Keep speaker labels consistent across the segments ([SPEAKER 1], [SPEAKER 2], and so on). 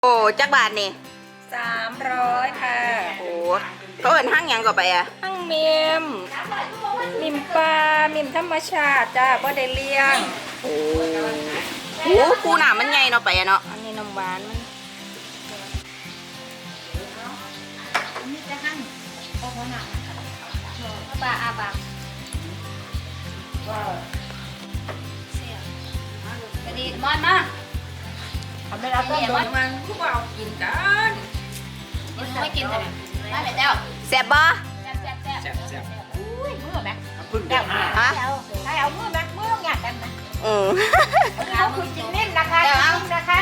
[SPEAKER 1] โอ้จักบาทนี่
[SPEAKER 2] 300ค่ะ
[SPEAKER 1] โอ้เขาเอิ้นห้างหยังก็ไปอ่ะ
[SPEAKER 2] ทั้งมิมปลามิมธรรมชาติจ้าบ่ได้เลี้ยง
[SPEAKER 1] โอ้โหปูหนามันใหญ่เนาะไปอะเนาะ
[SPEAKER 2] อันนี้น้ำหวานมันนี่จะหั่งโอ้โหหนักปลาอาบากว้าวเสียกระดีมอนมาทำไม่รับก็โดนมันพวกเรากินกันไม่กินแต่ไม่เป็นเจ้า
[SPEAKER 1] แซ่บบ่
[SPEAKER 2] แซ่บอุ้ยมือแม็กพึ่งได้ฮะให้เอามือแม็กมือต้องหยาดกันนะเอาคุณจินนิ่มนะคะจินนิ่มนะคะ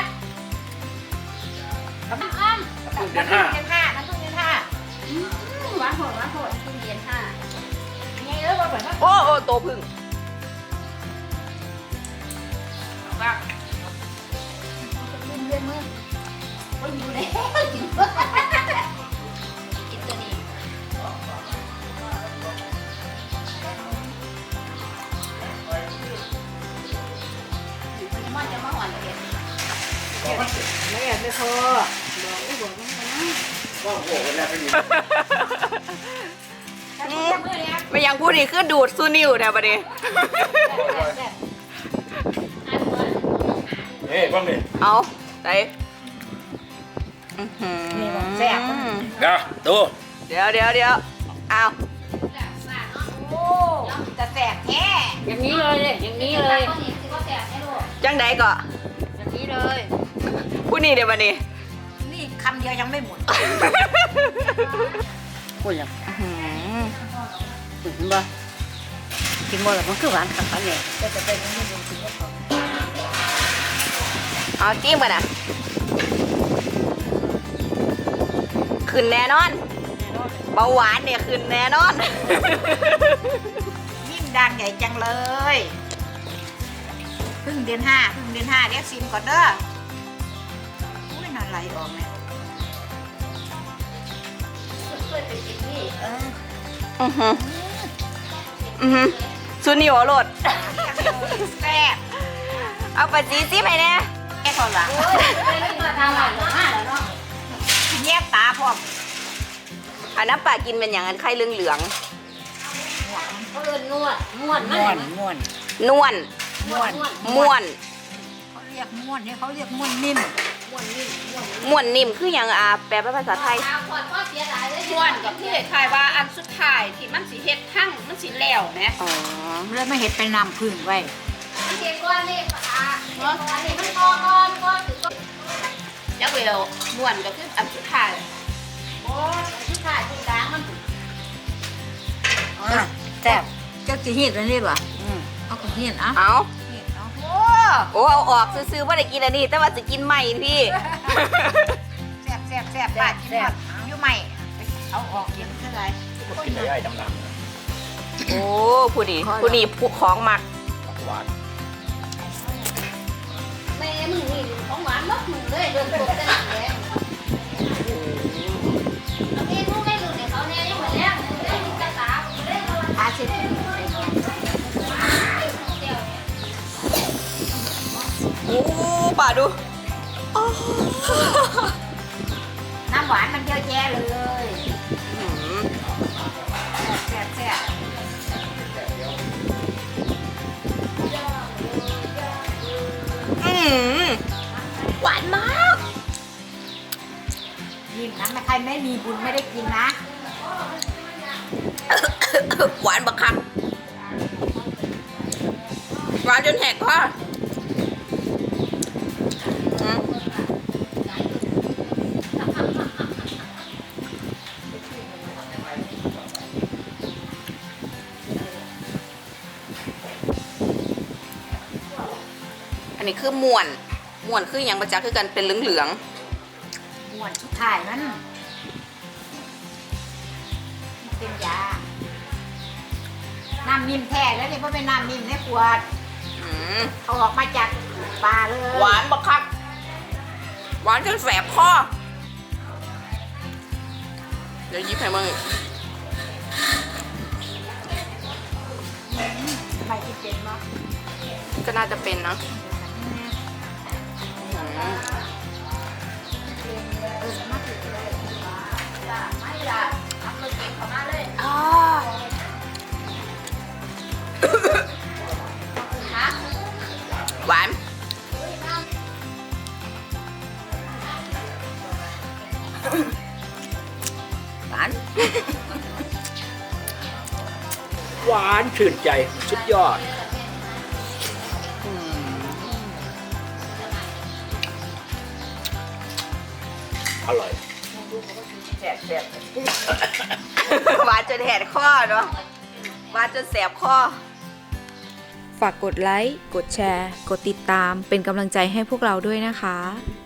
[SPEAKER 2] น้ำอ้อมน้ำพึ่งเดือนห้าน้ำพึ่งเดือนห้าหวานโหดพึ่งเดือนห้าไงเอ้ยว่าเหมือนว่า
[SPEAKER 1] โอ้โตพึ่ง
[SPEAKER 2] ว่าเลื่อนมือก็อยู่แล้วกินตัวนี้มันจะมาหวานเลยไม่อยากได้พอบอกไม่บอก
[SPEAKER 3] ก็โหกันแล้วพี่
[SPEAKER 1] ไม่ยังพูดนี่คือดูดซูนิวแถวประเดี๋ยว
[SPEAKER 3] เฮ้ยบ้างดิ
[SPEAKER 1] เอาไหน
[SPEAKER 2] แซ่บ
[SPEAKER 3] เดี๋ยวดู
[SPEAKER 1] เดี๋ยวเอา
[SPEAKER 2] โอ้จะแซ่บแท้อย่างนี้เลยอย่างนี้เลย
[SPEAKER 1] จังใดก็
[SPEAKER 2] อย่างนี้เลย
[SPEAKER 1] พูดนี่เดี๋ยวประเดี๋ยว
[SPEAKER 2] นี่คำเดียวยังไม่หมด
[SPEAKER 4] พูดแล้วกินบ่กินบ่แล้วมันคือหวานขัดๆเนี่ย
[SPEAKER 2] จะเป็นนี่ดูสิว่า
[SPEAKER 1] เอาจิ้มกันนะขึ้นแน่นอนเบาหวานเนี่ยขึ้นแน่นอน
[SPEAKER 2] ยิ่งดังใหญ่จังเลยพึ่งเดือนห้าเรียกซิมก่อนเด้ออุ้ยนอนไหลออกเนี่ย
[SPEAKER 1] ซูนิวโหลด
[SPEAKER 2] แซ่บ
[SPEAKER 1] เอาไปจีซิไปเนี่ย
[SPEAKER 2] แค่คนละเงียบตาพร้อม
[SPEAKER 1] อันน้ำปลากินเป็นอย่างนั้นไข่เหลือง
[SPEAKER 2] เขาเรียกนวด
[SPEAKER 1] นวล
[SPEAKER 2] เขาเรียกม้วนเนี่ยเขาเรียกม้วนนิ่ม
[SPEAKER 1] ม้วนนิ่มคืออย่างแปลเป็นภาษาไทย
[SPEAKER 2] ม้วนกับที่คล้ายว่าอันสุดท้ายที่มันสีเฮ็ดทั้งมันสีแล้วนะ
[SPEAKER 1] อ๋อ
[SPEAKER 2] แล้วไม่เฮ็ดเป็นน้ำพึ่งไว้เด็กก้อนนี่อันนี้มันก้อนถือก้อนยักษ์เวลม้วนก็คืออันสุดท้ายโอ้อันสุดท้ายตรงกลางมัน
[SPEAKER 4] แซ่บ
[SPEAKER 2] เจ้าจะเฮ็ดอะไรบ่เอาของเฮ็ดอ่ะ
[SPEAKER 1] เอา
[SPEAKER 2] โอ้
[SPEAKER 1] เอาออกซื้อๆว่าได้กินอันนี้แต่ว่าจะกินใหม่พี่
[SPEAKER 2] แซ่บบ้านกินหมดอยู่ใหม่เอาออกกินเท่าไหร่
[SPEAKER 3] กินได้ดำ
[SPEAKER 1] โอ้ผู้ดีผู้ของมัก
[SPEAKER 3] หวาน
[SPEAKER 2] แม่มึงนี่ของหวานมากมึงเลยเดินตัวจะหนักแรงแม่ลูกได้ลูกเนี่ยเขาเนี่ยยังเหมือนแรงได้ลูกกระตาอาเสร็จ
[SPEAKER 1] โอ้ป่าดู
[SPEAKER 2] น้ำหวานมันเยอะแยะเลยแซ่บ
[SPEAKER 1] หวานมาก
[SPEAKER 2] ยิ่งนะใครไม่มีบุญไม่ได้กินนะ
[SPEAKER 1] หวานบักคักหวานจนแหกคออันนี้คือม่วนคืออย่างประจักษ์คือกันเป็นเหลือง
[SPEAKER 2] ม้วนชุดถ่ายมันเป็นยาน้ำนิ่มแท้แล้วนี่เพราะเป็นน้ำนิ่มในขวดเขาออกมาจากปลาเลย
[SPEAKER 1] หวานบักคักหวานจนแสบคอเดี๋ยวยิบให้มึง
[SPEAKER 2] ไม่กินเป็นมั้ง
[SPEAKER 1] ก็น่าจะเป็นนะ
[SPEAKER 3] หวานชื่นใจสุดยอดอร่อย
[SPEAKER 1] หวานจนแหดคอเนาะหวานจนแสบคอ
[SPEAKER 5] ฝากกดไลค์ กดแชร์ กดติดตามเป็นกำลังใจให้พวกเราด้วยนะคะ